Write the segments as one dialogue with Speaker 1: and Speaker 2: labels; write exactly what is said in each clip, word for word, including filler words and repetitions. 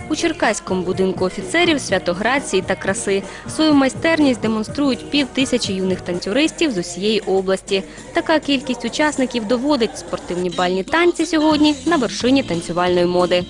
Speaker 1: У Черкаському будинку офіцерів святограції та краси. Свою майстерність демонструють пів тисячі юних танцюристів з усієї області. Така кількість учасників доводить, спортивні бальні танці сьогодні на вершині танцювальної моди.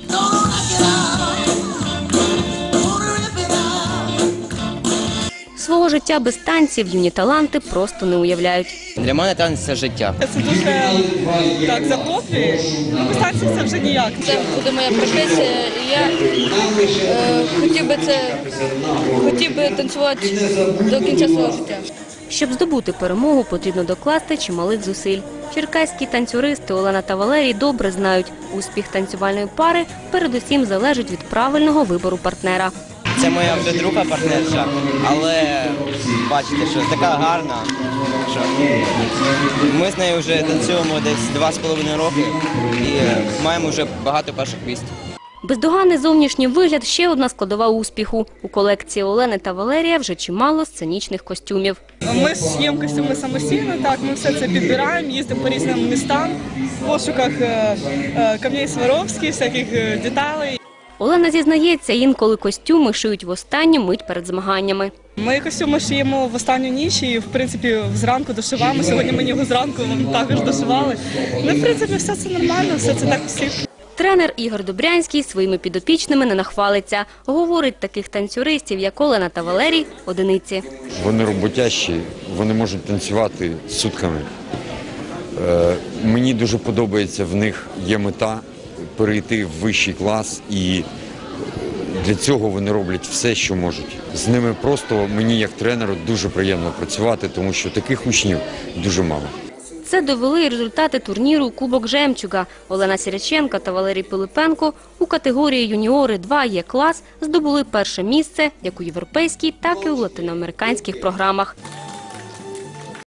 Speaker 1: Свого життя без танців юні таланти просто не уявляють.
Speaker 2: Для мене танець – це життя.
Speaker 3: Це дуже так захоплює, без танців це вже ніяк.
Speaker 4: Це буде моя професія, і я е, хотів би це хотів би танцювати до кінця свого життя.
Speaker 1: Щоб здобути перемогу, потрібно докласти чималих зусиль. Черкаські танцюристи Олена та Валерій добре знають, успіх танцювальної пари передусім залежить від правильного вибору партнера.
Speaker 2: Це моя вже друга партнерша, але бачите, що така гарна, що ми з нею вже танцюємо десь два з половиною роки і маємо вже багато перших місць.
Speaker 1: Бездоганний зовнішній вигляд – ще одна складова успіху. У колекції Олени та Валерія вже чимало сценічних костюмів.
Speaker 3: Ми шиємо костюми самостійно, так, ми все це підбираємо, їздимо по різним містам, в пошуках е, е, камней Сваровських, всяких е, деталей.
Speaker 1: Олена зізнається, інколи костюми шиють в останню мить перед змаганнями.
Speaker 3: Ми костюми шиємо в останню ніч і, в принципі, зранку дошиваємо. Сьогодні ми його зранку також дошивали. Ну, в принципі, все це нормально, все це так всіх.
Speaker 1: Тренер Ігор Добрянський своїми підопічними не нахвалиться. Говорить, таких танцюристів, як Олена та Валерій, одиниці.
Speaker 5: Вони роботящі, вони можуть танцювати сутками. Е, мені дуже подобається, в них є мета перейти в вищий клас, і для цього вони роблять все, що можуть. З ними просто мені, як тренеру, дуже приємно працювати, тому що таких учнів дуже мало.
Speaker 1: Це довели і результати турніру «Кубок Жемчуга». Олена Сіряченко та Валерій Пилипенко у категорії юніори два Е клас здобули перше місце як у європейській, так і у латиноамериканських програмах.